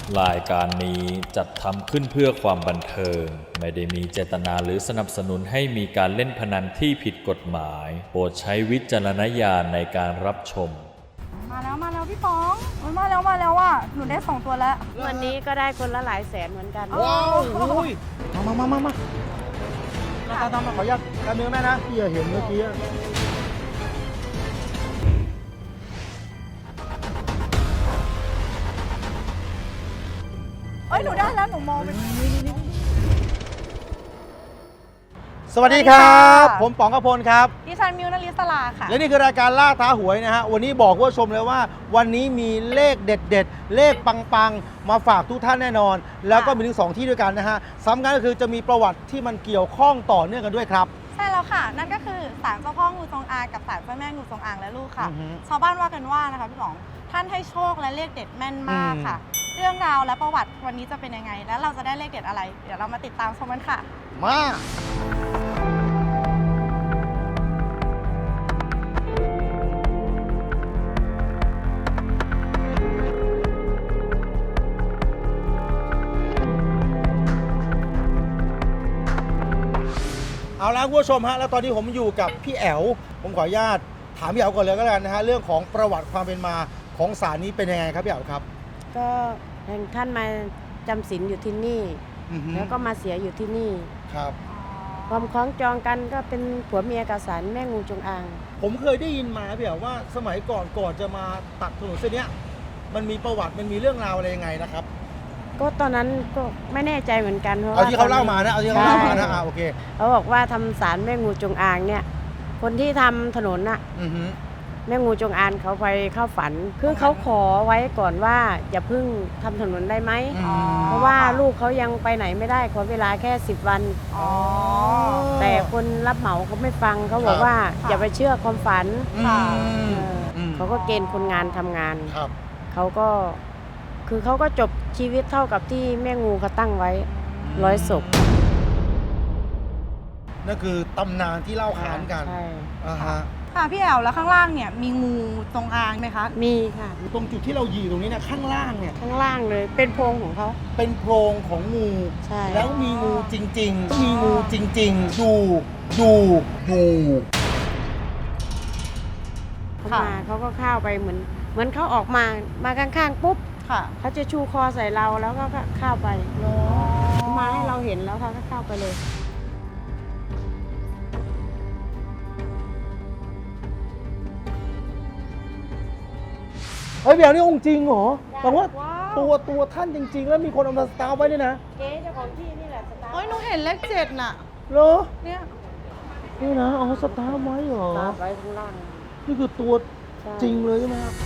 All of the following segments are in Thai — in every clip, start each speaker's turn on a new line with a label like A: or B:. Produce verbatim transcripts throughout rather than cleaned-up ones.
A: รายการนี้จัดทำขึ้นเพื่อความบันเทิงไม่ได้มีเจตนาหรือสนับสนุนให้มีการเล่นพนันที่ผิดกฎหมายโปรดใช้วิจารณญาณในการรับชม
B: มาแล้วมาแล้วพี่ป๋องมันมาแล้วมาแล้วอ่ะหนูได้สองตัวแล้ว
C: วันนี้ก็ได้คนละหลายแสนเหมือนกัน
D: ว้าวอุ้ยมามามามาตามตามมาขออนุญาตการเนื้อแม่นะพี่เห็นเมื่อกี้
B: เอ้ยหนูได้แล้วหนูมองไป
D: สวัสดีครับผมป๋องกพลครับ
B: ดิฉันมิวนลิศลาค่ะ
D: และนี่คือรายการล่าท้าหวยนะฮะวันนี้บอกผู้ชมเลยว่าวันนี้มีเลขเด็ดๆเลขปังๆมาฝากทุกท่านแน่นอนแล้วก็มีถึงสองที่ด้วยกันนะฮะสำคัญก็คือจะมีประวัติที่มันเกี่ยวข้องต่อเนื่องกันด้วยครับ
B: ใช่แล้วค่ะนั่นก็คือศาลเจ้าพ่องูจงอางกับศาลเจ้าแม่งูจงอางและลูกค่ะชาวบ้านว่ากันว่านะคะพี่ป๋องท่านให้โชคและเลขเด็ดแม่นมากค่ะเรื่องราวและประวัติวันนี้จะเป็นยังไงและเราจะได้เลขเด็ดอะไรเดี๋ยวเรามาติดตามชมกันค่ะ
D: มาเอาละคุณผู้ชมฮะแล้วตอนนี้ผมอยู่กับพี่แอ๋วผมขออนุญาตถามพี่แอ๋วก่อนเลยก็แล้วกันนะฮะเรื่องของประวัติความเป็นมาของศาลนี้เป็นยังไงครับพี่แอ๋วครับ
C: ก็ท่านมาจำศีลอยู่ที่นี่แล้วก็มาเสียอยู่ที่นี่
D: ครับ
C: ความคล้องจองกันก็เป็นผัวเมียกับศาลแม่งูจงอาง
D: ผมเคยได้ยินมาพี่แอ๋วว่าสมัยก่อนก่อนจะมาตัดถนนเส้นนี้มันมีประวัติมันมีเรื่องราวอะไรยังไงนะครับ
C: ก็ตอนนั้นก็ไม่แน่ใจเหมือนกันเพราะ
D: เอาที่เขาเล่ามานะเอาที่เขาเล่ามานะอ่าโอเค
C: เขาบอกว่าทำศาลแม่งูจงอางเนี่ยคนที่ทำถนนน่ะแม่งูจงอางเขาไปเข้าฝันคือเขาขอไว้ก่อนว่าอย่าเพิ่งทำถนนได้ไหมเพราะว่าลูกเขายังไปไหนไม่ได้ขอเวลาแค่สิบวันแต่คนรับเหมาเขาไม่ฟังเขาบอกว่าอย่าไปเชื่อความฝันเขาก็เกณฑ์คนงานทำงานเขาก็คือเขาก็จบชีวิตเท่ากับที่แม่งูเขาตั้งไว้ร้อยศพ
D: นั่นคือตำนานที่เล่าขานกัน
C: ใช่
D: อ่าฮะ
B: ค่ะพี่แอ๋วแล้วข้างล่างเนี่ยมีงูจงอางไหมคะ
C: มีค่ะ
D: ตรงจุดที่เรายืนตรงนี้เนี่ยข้างล่างเนี่ย
C: ข้างล่างเลยเป็นโพรงของเขา
D: เป็นโพรงของงู
C: ใช่
D: แล้วมีงูจริงๆมีงูจริงๆดูดูดู
C: เขามาเขาก็เข้าไปเหมือนเหมือนเขาออกมามาข้างๆปุ๊บเขาจะชูคอใส่เราแล้วก็เข้าไปเขามาให้เราเห็นแล้วเขาก็เข้าไปเลย
D: เฮ้ยเดี๋ยวนี่องค์จริงเหรอแต่ว่าตัวตัวท่านจริงๆแล้วมีคนเอามาสตาร์ไว้ด้วยนะ
C: เจ๊เจ้าของที่นี่แหละสตาร์
B: เฮ้ยหนูเห็นเลขเจ็ดน่ะ
D: เหรอ
B: เนี่ย
D: นี่นะเอาสตาร์ไว้เหรอ
C: สตาร์ไว้ข้างล่าง
D: นี่คือตัวจริงเลยใช่ไหมครับ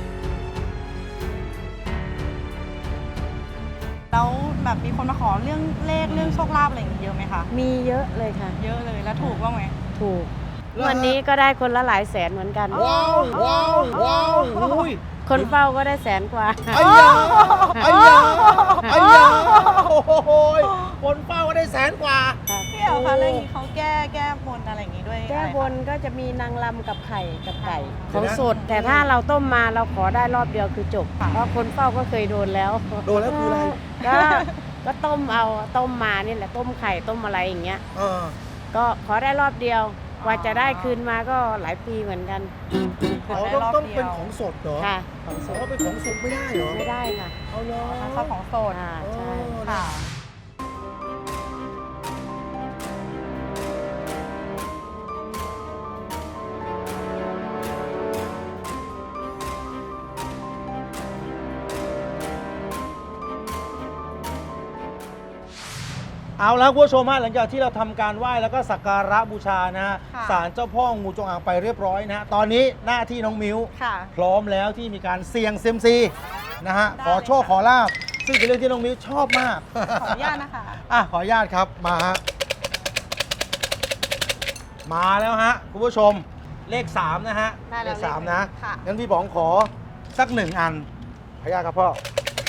B: แล้วแบบมีคนมาขอเรื่องเลขเรื่องโชคลาภอะไรอย่างเงี้ยเยอะไหมคะ
C: มีเยอะเลยค่ะ
B: เยอะเลยแล้วถูกบ้างไหม
C: ถูกวันนี้ก็ได้คนละหลายแสนเหมือนกัน
D: ว้าวว้าวว้าว
C: คนเฝ้าก็ได้แสนกว่า
D: ไอ้ยาไอ้ยาไอ้ยาโอ้โหคนเฝ้าก็ได้แสนกว่า
B: พี่แอ๋วคะเรื่องนี้เขาแก้แก้บนอะไรอย่างงี้ด้วย
C: แก้บนก็จะมีนางรำกับไข่กับไก่เขาสดแต่ถ้าเราต้มมาเราขอได้รอบเดียวคือจบเพราะคนเฝ้าก็เคยโดนแล้ว
D: โดนแล้วคืออะไร
C: ก็ก็ต้มเอาต้มมานี่แหละต้มไข่ต้มอะไรอย่างเงี้ยก็ขอได้รอบเดียวกว่าจะได้คืนมาก็หลายปีเหมือนกัน
D: เขาต้องต้องเป็นของสดเหรอ
C: ค่ะของสด
D: เขาเป็นของสุกไม่ได้เหรอ
C: ไม่ได้ค่ะ
D: เอาเลย
B: ชอบของสด
C: ใช่
B: ค่ะ
D: เอาแล้วคุณผู้ชมฮะหลังจากที่เราทำการไหว้แล้วก็สักการะบูชานะฮะศาลเจ้าพ่องูจงอางไปเรียบร้อยนะฮะตอนนี้หน้าที่น้องมิ้วพร้อมแล้วที่มีการเสี่ยงเซียมซีนะฮะขอโชคขอลาบซึ่งเป็นเรื่องที่น้องมิ้วชอบมาก
B: ขออนุญาตนะคะ
D: อ่ะขออนุญาตครับมาฮะมาแล้วฮะคุณผู้ชมเลขสามนะฮะเลขสามนะงั้นพี่ป๋องขอสักหนึ่งอันขออนุญาตครับพ่อ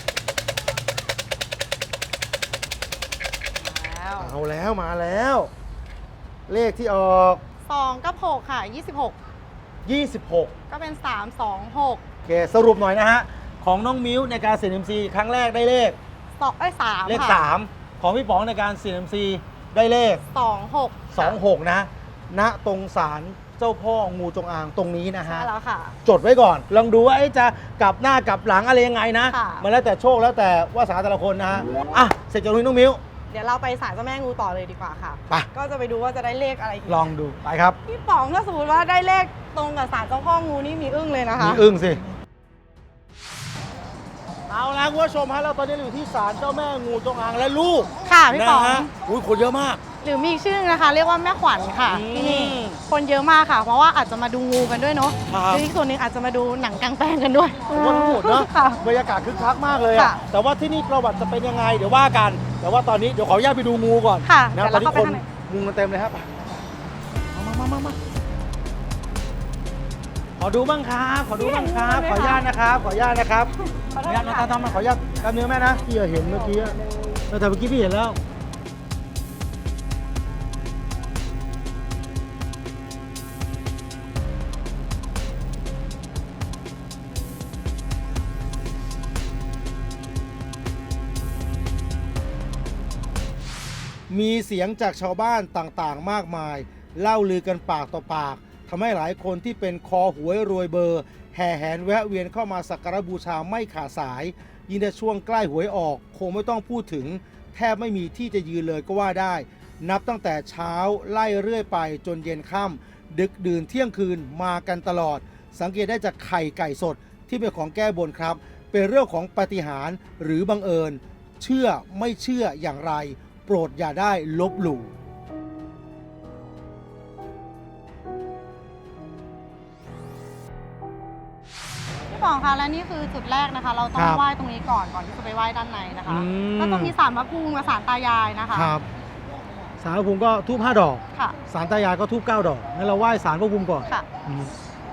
D: เอาแล้วมาแล้วเลขที่ออก
B: สองกับหกค่ะยี่สิบหก
D: ยี่สิบหก
B: ก็เป็นสาม สอง หก
D: โอเคสรุปหน่อยนะฮะของน้องมิ้วในการเสี่ยงเซียมซีครั้งแรกได้เลข
B: สองไอ้ยสาม
D: เลข
B: ค่ะ
D: สามของพี่ป๋องในการเสี่ยงเซียมซีได้เลข
B: สองหก
D: สองหกนะณตรงศาลเจ้าพ่องูจงอางตรงนี้นะฮะ
B: ใช่แล้วค่ะ
D: จดไว้ก่อน ลองดูว่าเอ๊ะจะกลับหน้ากลับหลังอะไรยังไงนะ
B: ค่ะ
D: มันแล้วแต่โชคแล้วแต่วาสนาแต่ละคนนะฮะอ่ะเสร็จจากนี้น้องมิ้ว
B: เดี๋ยวเราไปศาลเจ้าแม่งูต่อเลยดีกว่าค่ะ
D: ไป
B: ก็จะไปดูว่าจะได้เลขอะไรอีก
D: ลองดูไปครับ
B: พี่ป๋องถ้าสมมติว่าได้เลขตรงกับศาลเจ้าพ่องูนี่มีอึ้งเลยนะคะ
D: มีอึ้งสิเอาละคุณผู้ชมฮะเราตอนนี้อยู่ที่ศาลเจ้าแม่งูจงอางและลูก
B: ค่ะพี่ป๋อง
D: นะฮะอุ้ยคนเยอะมาก
B: หรือมีอีกชื่อนึงนะคะ เรียกว่าแม่ขวัญค่ะ
D: อืม
B: ที่นี่คนเยอะมากค่ะ เพราะว่าอาจจะมาดูงูกันด้วยเนาะ
D: ครับ
B: หรืออีกส่วนหนึ่งอาจจะมาดูหนังกลางแปลงกันด้วย
D: ผมว่าทั้งหมดเนาะ
B: ค่ะ
D: บรรยากาศคึกคักมากเลยอะ
B: ค่ะ
D: แต่ว่าที่นี่ประวัติจะเป็นยังไงเดี๋ยวว่ากัน แต่ว่าตอนนี้เดี๋ยวขออนุญาตไปดูงูก่อน
B: ค่ะ
D: นะ
B: เดี๋ยว
D: ตอน
B: เรา
D: นี้
B: เข้าไป
D: คน
B: ข้างใน
D: งูกันเต็มเลยครับมามามามาขอดูบ้างครับขอดูบ้างครับ ขออนุญาตนะครับ ขออนุญาตนะครับขออนุญาตนะทำมาขออนุญาตกล้ามเนื้อแม่นะพี่เห็นเมื่อกี้อะแต่เมื่อกี้พี่เห็นแล้ว มีเสียงจากชาวบ้านต่างๆ มากมาย เล่าลือกันปากต่อปากทำให้หลายคนที่เป็นคอหวยรวยเบอร์ แห่แหนแวะเวียนเข้ามาสักการะบูชาไม่ขาดสาย ยิ่งในช่วงใกล้หวยออก คงไม่ต้องพูดถึง แทบไม่มีที่จะยืนเลยก็ว่าได้ นับตั้งแต่เช้าไล่เรื่อยไปจนเย็นค่ำดึกดื่นเที่ยงคืนมากันตลอด สังเกตได้จากไข่ไก่สดที่เป็นของแก้บนครับ เป็นเรื่องของปาฏิหาริย์หรือบังเอิญ เชื่อไม่เชื่ออย่างไร โปรดอย่าได้ลบหลู่
B: พี่ป๋องคะและนี่คือจุดแรกนะคะ เราต้อ
D: ค
B: ง
D: รับ
B: ไหว้ตรงนี้ก่อนก่อนที่จะไปไหว้ด้านในนะคะ
D: อืม
B: ก็จะมีศาลพระภูมิกับศาลตายายนะคะ
D: ครับสารพระภูมิก็ทูบห้าดอก
B: ค่ะ
D: สารตายายก็ทูบเก้าดอกงั้นเราไหว้สารพระภูมิก่อน
B: ค่ะ
D: อืม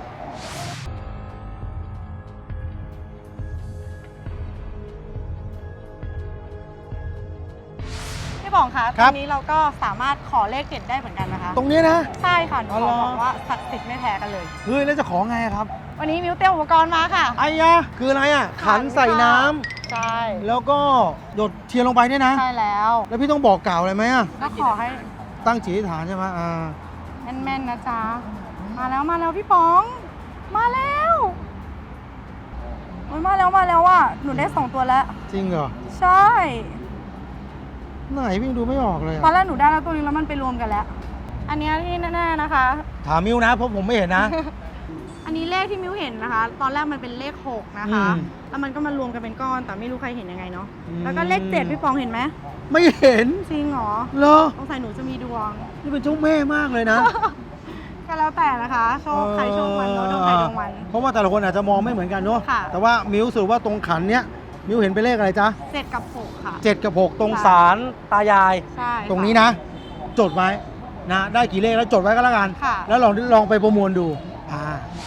B: พี่ป๋องคะ
D: ค
B: ต
D: รั
B: ร
D: บ
B: งนี้เราก็สามารถขอเลขเด็ดได้เหมือนกันนะคะ
D: ตรงนี้นะ
B: ใช่ค่ะหนู
D: อ๋อ
B: ข
D: เหร
B: อ
D: อ
B: บอกว่าศักดิ์สิทธิ์ไม่แพ้กันเลย
D: เฮ้ยแล้วจะขอไงอะครับ
B: วันนี้มิวเตรียมอุปกรณ์มาค่ะ
D: ไอ้ยะคืออะไรอ่ะ ขันใส่น้ำ
B: ใช่
D: แล้วก็หยดเทียนลงไปเนี่ยนะ
B: ใช่แล้ว
D: แล้วพี่ต้องบอกกล่าวอะไรไหมอ่ะ
B: ก็ขอให้
D: ตั้งจิตอธิษฐานใช่ไหมอ่า
B: แม่นๆนะจ๊ะ มาแล้วมาแล้วพี่ป๋อง มาแล้วโอ้ยมาแล้วมาแล้วอ่ะหนูได้สองตัวแล้ว
D: จริงเหรอ
B: ใช่
D: ไหนพี่ดูไม่ออกเลย
B: ตอน
D: อะ
B: แรกหนูได้แล้วตัวนึงแล้วมันไปรวมกันแล้ว อันเนี้ยที่แน่ๆนะคะ
D: ถามมิวนะเพราะผมไม่เห็นนะ
B: อันนี้เลขที่มิวเห็นนะคะ ตอนแรกมันเป็นเลขหกนะคะ
D: อืม
B: แล้วมันก็มารวมกันเป็นก้อน แต่ไม่รู้ใครเห็นยังไงเนาะ
D: อืม
B: แล้วก็เลขเจ็ดพี่ปองเห็นไหม
D: ไม่เห็น
B: จริงเหรอ
D: เหรอ
B: สงสัยหนูจะมีดวง
D: นี่เป็นเจ้าแม่มากเลยนะ
B: ก็แล้วแต่นะคะ โชคใครโชคมันเนาะดวงใครดวงมัน
D: เพราะว่าแต่ละคนอาจจะมองไม่เหมือนกันเนาะ
B: ค่ะ
D: แต่ว่ามิวสรุปว่าตรงขันเนี้ยมิวเห็นเป็นเลขอะไรจ๊ะ
B: เจ็ดกับหกค่ะ
D: เจ็ดกับหกตรง
B: ค่ะ
D: ศาลตายาย
B: ใช่
D: ตรงนี้นะ จดไว้นะได้กี่เลขแล้วจดไว้ก็แล้วกัน
B: ค่ะ
D: แล้วลองลองไปประมวลดูอ่า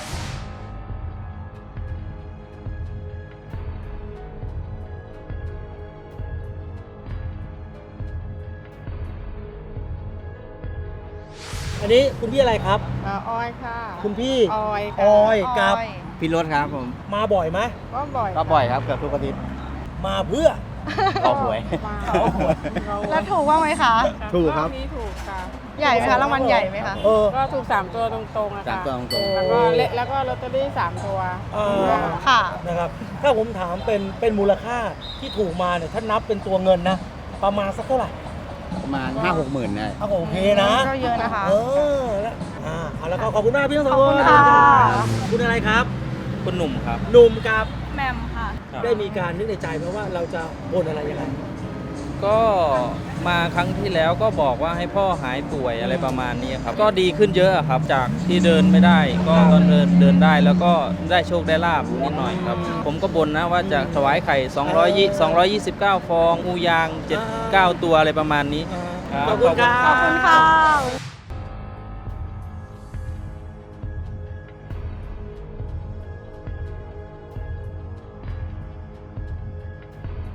D: อันนี้คุณพี่อะไรครับ
B: อ่าออยค่ะ
D: คุณพี่
B: ออย
D: ออยกับ
E: พี่รถครับผม
D: มาบ่อยไหม
B: ก็บ่อย
E: ก็บ่อยครับเกือบทุกอาทิตย์
D: มาเพื่อ
E: ขอหวย
D: เขาหวย
B: แล้วถูกบ้างไหมคะ
D: ถูกครับ
F: นี้ถูกค่ะ
B: ใหญ่ไหมคะรางวัลใหญ่ไหมคะ
D: เออ
F: ก็ถูกสามตัวตรงๆนะ
E: สาม
F: คะ
E: ตัวตรง
F: แล้วก็เลแล้วก็ลอตเตอรี่สามตัว
D: เออ
B: ค่ะ
D: นะครับถ้าผมถามเป็นเป็นมูลค่าที่ถูกมาเนี่ยถ้านับเป็นตัวเงินนะ ประมาณสักเท่าไหร่
E: ๆประมาณห้าหกหมื่นได้
D: เอาโอเคนะ
B: ก็เยอะนะคะ
D: เออแล้วอ่าเอาแล้วก็ขอบคุณมากพี่ทั้งสอง
B: ขอบ
D: ค
B: คุ
D: น
B: ณค่ะ
D: คุณอะไรครับ
E: คุณหนุ่มครับ
D: หนุ่มกับ
B: แมมค่ะ
D: ได้มีการนึกในใจไหมว่าเราจะบนอะไรยังไง
G: ก็มาครั้งที่แล้วก็บอกว่าให้พ่อหายป่วยอะไรประมาณนี้ครับ ก็ดีขึ้นเยอะครับ จากที่เดินไม่ได้ ก็ตอนเดินเดินได้แล้วก็ได้โชคได้ลาบนิดหน่อยครับ ผมก็บนนะว่าจะถวายไข่200 229 ฟองงูยางเจ็ด เก้าตัวอะไรประมาณนี้
D: ขอบคุณครับ
B: ขอบคุณค่ะ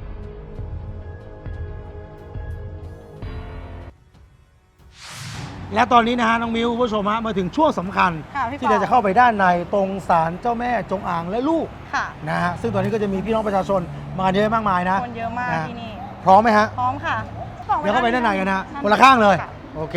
D: อและตอนนี้นะฮะน้องมิวคุณผู้ชมฮะมาถึงช่วงสำคัญ
B: ค่ะพี่
D: ที่เรา
B: ปอ
D: จะเข้าไปด้านในตรงศาลเจ้าแม่จงอางและลูก
B: ค่ะ
D: นะฮะซึ่งตอนนี้ก็จะมีพี่น้องประชาชนมาเยอะมากมายนะ
B: คนเยอะมาก
D: นะ
B: ที่นี่
D: พร้อมไหมฮะ
B: พร้อมค่ะ
D: เดี๋ยวเข้าไปด้านในกันนะคนละข้างเลย
B: ค่ะ
D: โอเค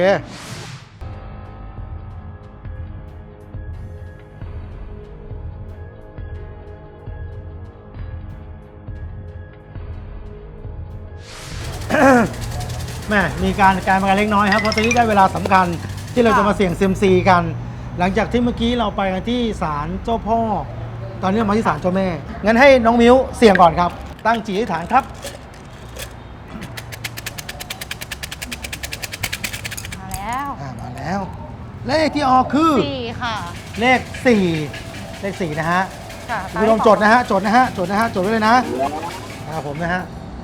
D: แม่มีการการมากันเล็กน้อยครับเพราะตอนนี้ได้เวลาสำคัญที่เราจะมาเสี่ยงเซยมซีกัน หลังจากที่เมื่อกี้เราไปกันที่ศาลเจ้าพ่อ ตอนนี้เรามาที่ศาลเจ้าแม่ งั้นให้น้องมิ้วเสี่ยงก่อนครับ ตั้งจิตอธิษฐานครับ
B: มาแล้ว
D: อ่ามาแล้ว เลขที่ออกคือ
B: สี่ค่ะ
D: เลขสี่เลขสี่นะฮะ
B: ค่ะ
D: คุณผู้ชมจดนะฮะจดนะฮะจดนะฮะจดไว้เลยนะนะครับผมนะฮะ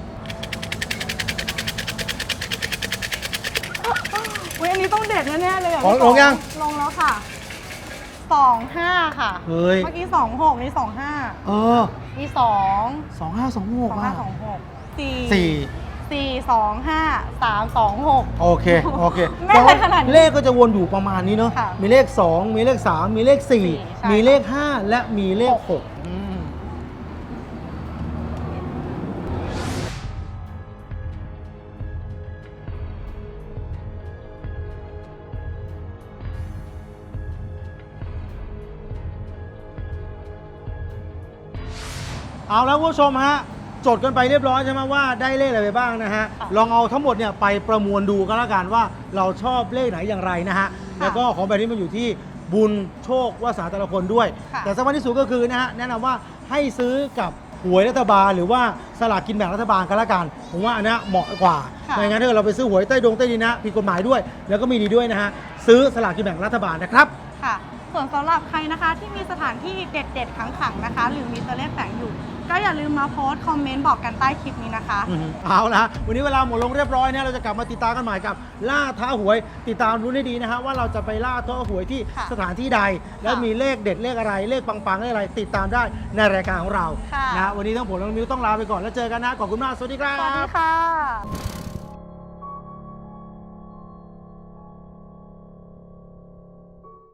B: อุ้ยอันนี้ต้องเด็ดแน่ๆเลยอ่ะ
D: ลง
B: พี่ปอ
D: ลงยัง
B: ลงแล้วค่ะสองห้าค่ะ
D: เฮ้ย
B: เมื่อกี้สองหกนี่สองห้า
D: เออ
B: นี่สอง
D: สองห้าสองห
B: ส
D: ก
B: อง
D: อ่ะ
B: ห้าสองหกสี่
D: สี่
B: สี่สองห้าสามสองหก
D: โอเค โอเค
B: แม่นขนาดนี้
D: เลขก็จะวนอยู่ประมาณนี้เนาะ
B: ค่ะ
D: มีเลขสองมีเลขสามมีเลขสี่
B: ใช่
D: มีเลขห้าและมีเลขหกอืมเอาแล้วคุณผู้ชมฮะ จดกันไปเรียบร้อยใช่ไหมว่าได้เลขอะไรไปบ้างนะฮะ ลองเอาทั้งหมดเนี่ยไปประมวลดูก็แล้วกันว่าเราชอบเลขไหนอย่างไรนะฮะ แล้วก็ของแบบนี้มันอยู่ที่บุญโชควาสนาแต่ละคนด้วย
B: ค่ะ
D: แต่สำคัญที่สุดก็คือนะฮะแนะนำว่าให้ซื้อกับหวยรัฐบาลหรือว่าสลากกินแบ่งรัฐบาลก็แล้วกัน ผมว่าอันเนี้ยเหมาะกว่า
B: ค่ะ
D: ไม่งั้นถ้าเกิดเราไปซื้อหวยใต้ดงใต้ดินนะผิดกฎหมายด้วย แล้วก็มีดีด้วยนะฮะซื้อสลากกินแบ่งรัฐบาลนะครับ
B: ค่ะ ส่วนสำหรับใครนะคะที่มีสถานที่เด็ดๆขังๆนะคะ หรือมีตัวเลขแฝงอยู่ ก็อย่าลืมมาโพสต์คอมเมนต์บอกกันใต้คลิปนี้นะคะ
D: อืมเอาละวันนี้เวลาหมดลงเรียบร้อยเนี่ยเราจะกลับมาติดตามกันใหม่กับล่าท้าหวย ติดตามรู้ให้ดีนะฮะว่าเราจะไปล่าท้าหวยที่
B: ค่ะ
D: สถานที่ใด แล้วมีเลขเด็ดเลขอะไร เลขปังๆเลขอะไร ติดตามได้ในรายการของเรา
B: ค่ะ
D: นะวันนี้ทั้งผมและน้องมิวต้องลาไปก่อนแล้วเจอกันนะขอบคุณมากสวัสดีครั
B: สวัสดี
D: บ
B: ค่ะ